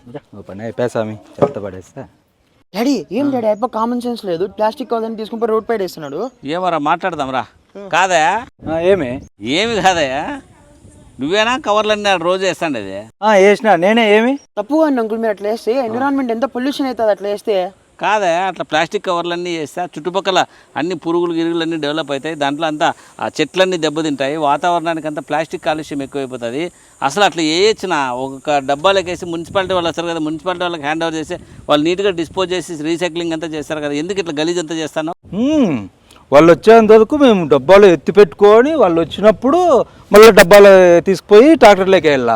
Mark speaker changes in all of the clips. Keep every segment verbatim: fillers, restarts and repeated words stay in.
Speaker 1: పని అయిపోయామి చెత్త పడేస్తా.
Speaker 2: డాడీ ఏం డాడీ అయిపో కామన్ సెన్స్ లేదు, ప్లాస్టిక్ కవర్ని తీసుకుని రోడ్ పైన వేస్తున్నాడు.
Speaker 3: ఏమరా మాట్లాడదాం రా. కాదా
Speaker 1: ఏమి
Speaker 3: ఏమి కాదయా, నువ్వేనా కవర్లన్నీ రోజు వేస్తాండి అది
Speaker 1: వేసిన నేనే. ఏమి
Speaker 2: తప్పు అని అంకుల్ మీరు అట్లా వేస్తే ఎన్విరాన్మెంట్ ఎంత పొల్యూషన్ అవుతుంది అట్లా వేస్తే.
Speaker 3: కాదా అట్లా ప్లాస్టిక్ కవర్లన్నీ వేస్తే చుట్టుపక్కల అన్ని పురుగులు గిరుగులు అన్నీ డెవలప్ అవుతాయి, దాంట్లో అంతా ఆ చెట్లన్నీ దెబ్బతింటాయి, వాతావరణానికి అంతా ప్లాస్టిక్ కాలుష్యం ఎక్కువైపోతుంది. అసలు అట్లా వేయచ్చిన ఒక డబ్బాలకు వేసి మున్సిపాలిటీ వాళ్ళు వస్తారు కదా, మున్సిపాలిటీ వాళ్ళకి హ్యాండ్ ఓవర్ చేసి వాళ్ళు నీట్గా డిస్పోజ్ చేసి రీసైక్లింగ్ అంతా చేస్తారు కదా, ఎందుకు ఇట్లా గలీజ్ అంతా చేస్తాను?
Speaker 1: వాళ్ళు వచ్చేంత వరకు మేము డబ్బాలు ఎత్తి పెట్టుకొని వాళ్ళు వచ్చినప్పుడు మళ్ళీ డబ్బాలు తీసుకుపోయి ట్రాక్టర్లోకి వెళ్ళా.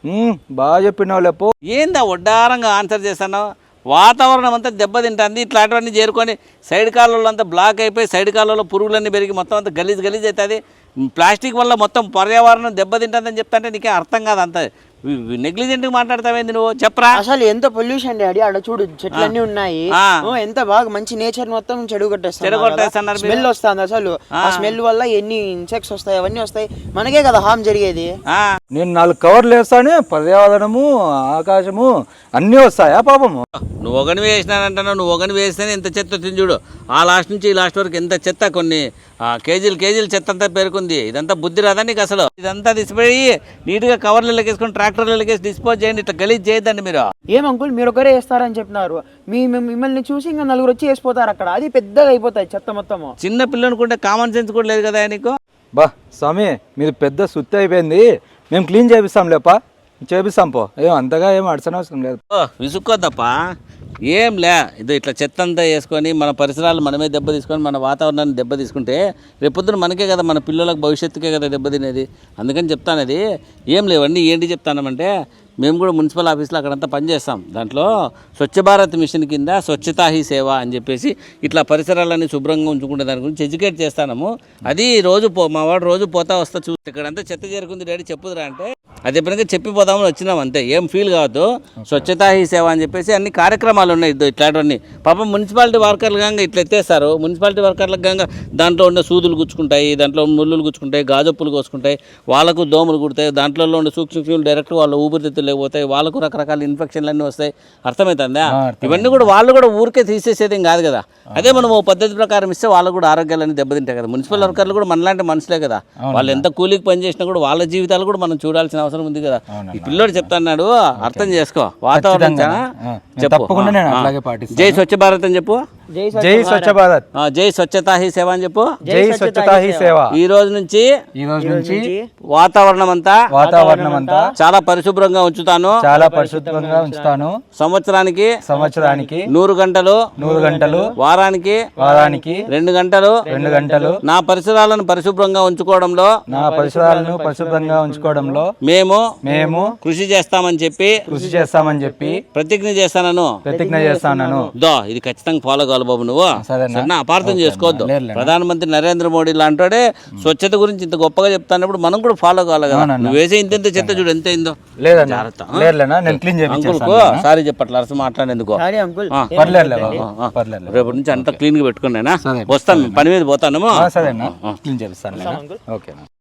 Speaker 1: బాగా చెప్పినావు లేపో.
Speaker 3: ఏందా వడ్డారంగా ఆన్సర్ చేస్తాను? వాతావరణం అంతా దెబ్బతింటుంది, ఇట్లాంటివన్నీ చేరుకొని సైడ్ కాలువలు అంతా బ్లాక్ అయిపోయి సైడ్ కాలువలో పురుగులన్నీ పెరిగి మొత్తం అంతా గలీజ్ గలీజ్ అవుతుంది. ప్లాస్టిక్ వల్ల మొత్తం పర్యావరణం దెబ్బతింటుందని చెప్తాంటే నీకే అర్థం కాదు. అంత నెగ్లిజెంట్గా మాట్లాడతావేంది నువ్వు, చెప్పరా?
Speaker 2: అసలు ఎంత పొల్యూషన్ డాడీ, ఆడ చూడు చెట్లన్నీ ఉన్నాయి, ఎంత బాగా మంచి నేచర్ మొత్తం చెడు కొట్టేస్తున్నారు, స్మెల్ వస్తుంది. అసలు ఆ స్మెల్ వల్ల ఎన్ని ఇన్సెక్ట్స్ వస్తాయి, అవన్నీ వస్తాయి, మనకే కదా హామ్ జరిగేది.
Speaker 1: నేను నాలుగు కవర్లు వేస్తానే, పర్యావరణము ఆకాశము అన్నీ వస్తాయా పాపము?
Speaker 3: నువ్వు ఒకని వేసినానంటున్నావు, నువ్వు ఒకని వేస్తేనే ఎంత చెత్త వచ్చింది చూడు. ఆ లాస్ట్ నుంచి ఈ లాస్ట్ వరకు ఎంత చెత్త, కొన్ని కేజీలు కేజీలు చెత్త అంతా పేరుకుంది. ఇదంతా బుద్ధి రాదా నీకు? అసలు ఇదంతా తీసిపోయి నీట్గా కవర్లలోకి వేసుకొని ట్రాక్టర్లలోకి వేసి డిస్పోజ్ చేయండి, ఇట్లా గలీజ్ చేయొద్దండి మీరు.
Speaker 2: ఏం అంకుల్ మీరు ఒకరే వేస్తారని చెప్పినారు, మీ మిమ్మల్ని చూసి ఇంకా నలుగురు వచ్చి వేసిపోతారు అక్కడ, అది పెద్దగా అయిపోతాయి చెత్త మొత్తము.
Speaker 3: చిన్న పిల్లనుకుంటే కామన్ సెన్స్ కూడా లేదు కదా నీకు.
Speaker 1: బా స్వామి మీరు పెద్ద సుత్తి అయిపోయింది, మేము క్లీన్ చేపిస్తాం లేపా, చేపిస్తాం పో, ఏం అంతగా ఏం అడసన అవసరం లేదు.
Speaker 3: విసుక్కోద్దప్ప, ఏం లే ఇది ఇట్లా చెత్త అంతా వేసుకొని మన పరిసరాలు మనమే దెబ్బ తీసుకొని మన వాతావరణాన్ని దెబ్బ తీసుకుంటే రేపొద్దున మనకే కదా, మన పిల్లలకు భవిష్యత్తుకే కదా దెబ్బ తినేది. అందుకని చెప్తానది. ఏం లేవండి, ఏంటి చెప్తానంటే మేము కూడా మున్సిపల్ ఆఫీస్లో అక్కడంతా పనిచేస్తాం. దాంట్లో స్వచ్ఛ భారత్ మిషన్ కింద స్వచ్ఛతా హీ సేవ అని చెప్పేసి ఇట్లా పరిసరాలన్నీ శుభ్రంగా ఉంచుకునే దాని గురించి ఎడ్యుకేట్ చేస్తాము. అది రోజు పో మా వాడు రోజు పోతా వస్తా చూ ఇక్కడంతా చెత్త చేరుకుంది డాడీ చెప్పుదురా అంటే అది ఎప్పుడైనా చెప్పిపోదామని వచ్చినాం అంతే, ఏం ఫీల్ కావద్దు. స్వచ్ఛతా హీ సేవ అని చెప్పేసి అన్ని కార్యక్రమాలు ఉన్నాయి ఇట్లాంటివన్నీ. పాపం మున్సిపాలిటీ వర్కర్లు గంగా ఇట్లా ఎత్తేస్తారు, మున్సిపాలిటీ వర్కర్లకు గంగా దాంట్లో ఉండే సూదులు గుచ్చుకుంటాయి, దాంట్లో ముళ్ళులు గుచ్చుకుంటాయి, గాజొప్పులు కోసుకుంటాయి, వాళ్ళకు దోమలు కుడతాయి, దాంట్లో ఉండే సూక్ష్మజీవులు డైరెక్ట్ వాళ్ళు ఊపిరితిత్తులు లేకపోతాయి, వాళ్ళకు రకరకాల ఇన్ఫెక్షన్లు అన్నీ వస్తాయి. అర్థమవుతుందా? ఇవన్నీ కూడా వాళ్ళు కూడా ఊరికే తీసేసేది కాదు కదా, అదే మనం ఓ పద్ధతి ప్రకారం ఇస్తే వాళ్ళకు కూడా ఆరోగ్యాలన్నీ దెబ్బతింటాయి కదా. మున్సిపల్ వర్కర్లు కూడా మనలాంటి మనుషులే కదా, వాళ్ళు ఎంత కూలీకి పని చేసినా కూడా వాళ్ళ జీవితాలు కూడా మనం చూడాల్సిన అవసరం ఉంది కదా. ఈ పిల్లోడు చెప్తాన్నాడు, అర్థం చేసుకో. వాతావరణం చెప్పు, జై స్వచ్ఛ భారత్ అని చెప్పు,
Speaker 1: జై స్వచ్ఛ భారత్,
Speaker 3: జై స్వచ్ఛతా హీ సేవ అని చెప్పు,
Speaker 1: జై స్వచ్ఛతా హీ సేవ.
Speaker 3: ఈ రోజు నుంచి
Speaker 1: ఈ రోజు నుంచి
Speaker 3: వాతావరణం అంతా
Speaker 1: వాతావరణం అంతా
Speaker 3: చాలా పరిశుభ్రంగా ఉంచుతాను,
Speaker 1: చాలా పరిశుభ్రంగా ఉంచుతాను.
Speaker 3: సంవత్సరానికి
Speaker 1: సంవత్సరానికి
Speaker 3: నూరు గంటలు
Speaker 1: నూరు గంటలు
Speaker 3: వారానికి
Speaker 1: వారానికి
Speaker 3: రెండు గంటలు
Speaker 1: రెండు గంటలు
Speaker 3: నా పరిసరాలను పరిశుభ్రంగా ఉంచుకోవడంలో
Speaker 1: నా పరిసరాలను పరిశుభ్రంగా ఉంచుకోవడంలో మేము మేము
Speaker 3: కృషి చేస్తామని చెప్పి
Speaker 1: కృషి చేస్తామని చెప్పి
Speaker 3: ప్రతిజ్ఞ చేస్తాను
Speaker 1: ప్రతిజ్ఞ చేస్తాను.
Speaker 3: దో ఇది ఖచ్చితంగా ఫాలో కావాలి బాబు నువ్వు, సరేనా? అపార్థం చేసుకోవద్దు. ప్రధానమంత్రి నరేంద్ర మోడీ లాంటి స్వచ్ఛత గురించి ఇంత గొప్పగా చెప్తానప్పుడు మనం కూడా ఫాలో కావాలి కదా. నువ్వు వేసే ఇంత ఇంత చెత్త చూడు ఎంత అయిందో. అంకుల్కు సారీ చెప్పట్ల అరస మాట్లాడేందుకు, రేపటి నుంచి అంతా క్లీన్ గా పెట్టుకున్నానా. వస్తాను, పని మీద పోతాను.
Speaker 1: సరేనా, క్లీన్ చేపిస్తాను. ఓకే.